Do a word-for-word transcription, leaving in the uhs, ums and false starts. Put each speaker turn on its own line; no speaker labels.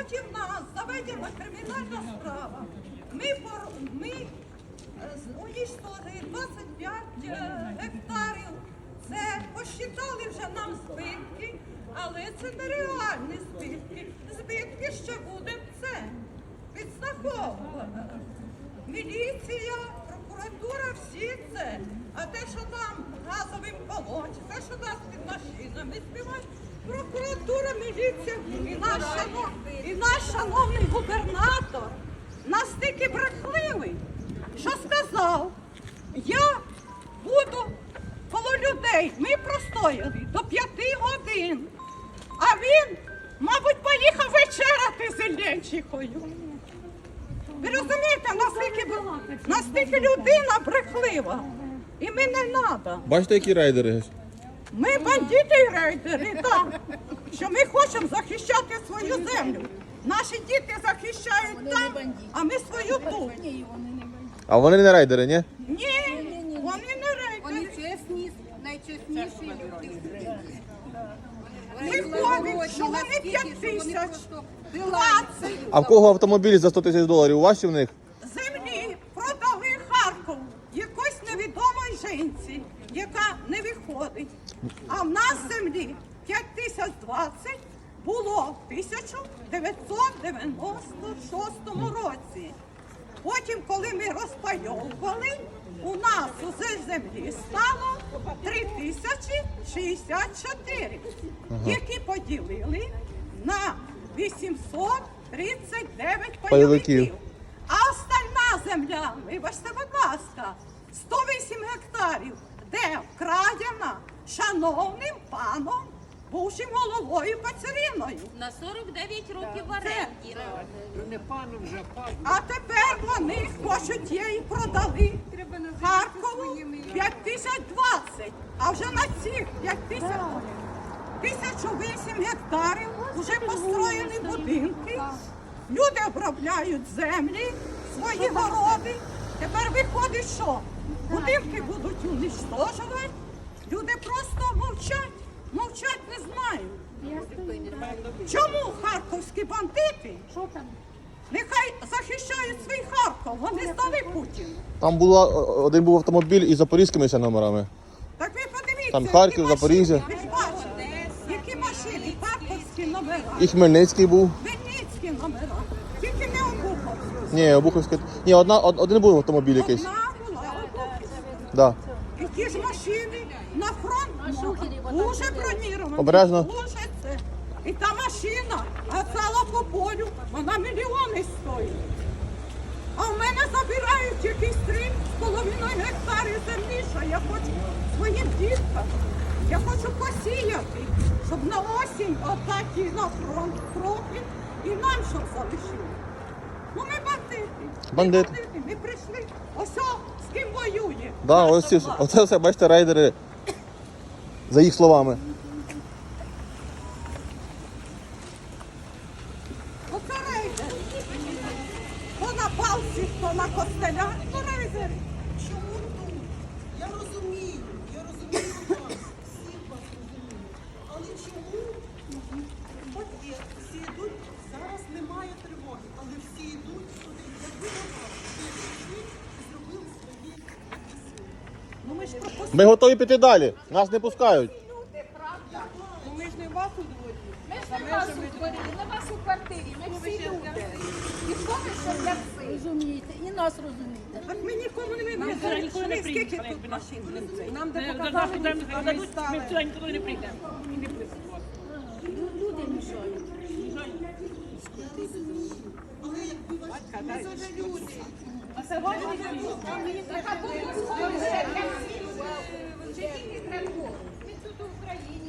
проти нас заведена кримінальна справа. Ми, ми уничтожили двадцять п'ять гектарів. Це посчитали вже нам збитки, але це нереальні збитки. Збитки ще будемо це підстраховувати. Міліція, прокуратура, всі це. А те, що там газовим колонче, те, що нас під машинами співають, прокуратура, міліція і наш, шанов... і наш шановний губернатор настільки брехливий, що сказав, я буду коло людей, ми простояли до п'яти годин, а він, мабуть, поїхав вечеряти з Іллєнчихою. Ви розумієте, наскільки, наскільки людина брехлива. І ми не треба.
Бачите, які рейдери?
Ми бандити і рейдери, так. Що ми хочемо захищати свою землю. Наші діти захищають
Вони
там,
не бандити.
а ми свою тут.
Ні, вони не бандити.
А вони не рейдери, ні?
Ні, вони не
Вони
рейдери.
чесні, найчесніші люди.
Виходить, що вони п'ять тисяч, двадцять
А в кого автомобіль за сто тисяч доларів? У вас чи в них?
землі продали Харків якось невідомій жінці, яка не виходить. А в нас землі п'ять тисяч двадцять було в тисяча дев'ятсот дев'яносто шостому році. Потім, коли ми розпайовували, у нас усе землі стало три тисячі шістдесят чотири, які поділили на вісімсот тридцять дев'ять
Пайовиків.
пайовиків. А остальна земля, вибачте, будь ласка, сто вісім гектарів, де вкрадена шановним паном, бувшим головою Пацариною.
На сорок дев'ять років в оренді.
А тепер вони хочуть її продали Харкову п'ять тисяч двадцять, а вже на цих п'ять тисяч тисячу вісім гектарів вже построєні будинки. Люди обробляють землі, свої городи. Тепер виходить, що будинки будуть уничтожувати. Люди просто мовчать, мовчать не знають. Чому харківські бандити? Нехай захищають свій Харків, вони здали Путіну.
Там була, один був автомобіль із запорізькими ще номерами.
Так ви подивіться,
Там
які
Харків,
машини,
Запоріжжя.
ви ж бачите, які машини, харківські номера,
І Хмельницький був.
Вінницькі номера, тільки не Обуховські.
Ні, Обуховський. Ні, одна, од- один був автомобіль якийсь.
Одна була Обухівська.
Да.
І ті ж машини на фронт дуже броніровані.
Обережно.
Дуже це. І та машина гасала по полю, вона мільйони стоїть. А в мене забирають якісь три з половиною гектарів землі, що я хочу своїм діткам. Я хочу посіяти, щоб на осінь отакі на фронт трохи і нам щоб залишили. Ну ми бандити. Ми
Бандити.
бандити. Ми прийшли. Ось о, з ким воює.
Да,
наша
ось ці,
влада.
оце все, бачите, рейдери. За їх словами.
Оце рейдери. Хто на палці, хто на костелях, то рейдери.
Чому тут? Я розумію, я розумію вас, всіх вас розумію. Але чому? От є, всі йдуть, зараз немає тривоги, але всі йдуть сюди. Якби на вас, всі прийшли і зробили свої сили.
Ну ми ж пропустили.
Ми готові піти далі. Нас не пускають.
Ну ми ж не вас у дворі.
Ми ж не вас у дворі, не вас у квартирі, ми всі люди. І хто ми що для всіх? Розумієте, і нас розумієте.
Так ми нікому не вибрали.
ніколи не
Скільки
прийдемо,
тут машин?
Нам де
Ми
показали,
завжди
ми
дадуть, ми
ставили.
сюди ніколи не прийдемо. І не прийдемо.
Люди мішають.
Але якби вас не завелюся.
А кому сходить для всіх? Вже тільки треба. Ми тут в Україні.